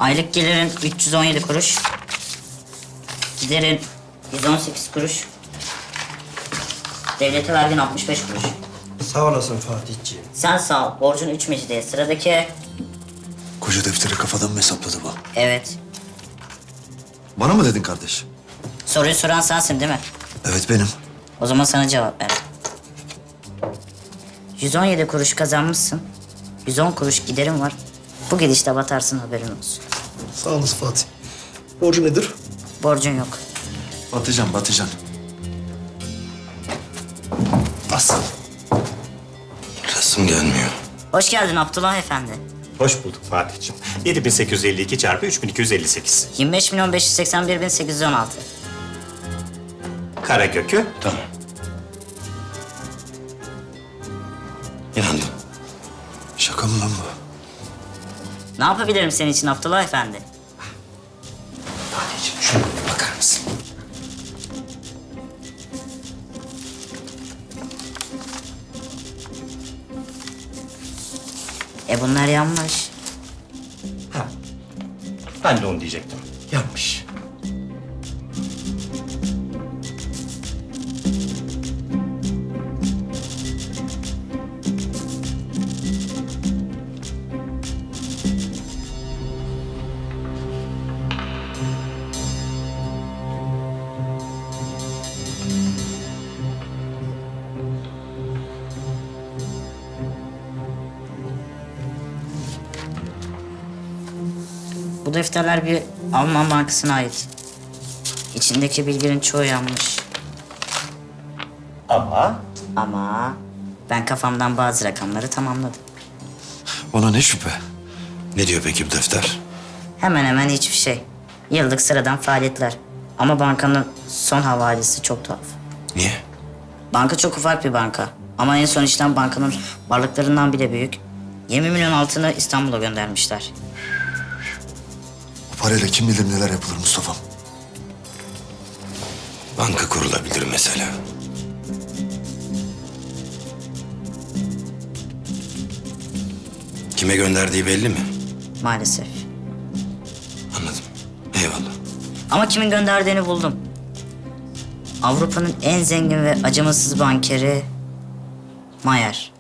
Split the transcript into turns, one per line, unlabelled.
Aylık gelirin 317 kuruş. Giderin 118 kuruş. Devlete vergin 65 kuruş.
Sağ olasın Fatihciğim.
Sen sağ ol. Borcun 3 mecidiye. Sıradaki...
Koca defteri kafadan mı hesapladı bu?
Evet.
Bana mı dedin kardeş?
Soruyu soran sensin değil mi?
Evet benim.
O zaman sana cevap ver. 117 kuruş kazanmışsın. 110 kuruş giderin var. Bu gidişte batarsın, haberin olsun.
Sağ olasın Fatih. Borcu nedir?
Borcun yok.
Batıcan. Bas. Resim gelmiyor.
Hoş geldin Abdullah Efendi.
Hoş bulduk Fatih'ciğim. 7852 çarpı 3258.
25.581.816.
Karakökü.
Tamam. İnandım. Şaka mı lan bu?
Ne yapabilirim senin için Abdullah Efendi?
Fatih'ciğim şuna bir bakar mısın?
Bunlar yanlış.
Ha. Ben de onu diyecektim. Yanlış.
Bu defterler bir Alman bankasına ait. İçindeki bilgilerin çoğu yanlış. Ama ben kafamdan bazı rakamları tamamladım.
Ona ne şüphe? Ne diyor peki bu defter?
Hemen hemen hiçbir şey. Yıllık sıradan faaliyetler. Ama bankanın son havalesi çok tuhaf.
Niye?
Banka çok ufak bir banka. Ama en son işlem bankanın varlıklarından bile büyük. 20 milyon altını İstanbul'a göndermişler.
Bu parayla kim bilir neler yapılır Mustafa'm.
Banka kurulabilir mesela. Kime gönderdiği belli mi?
Maalesef.
Anladım. Eyvallah.
Ama kimin gönderdiğini buldum. Avrupa'nın en zengin ve acımasız bankeri Mayer.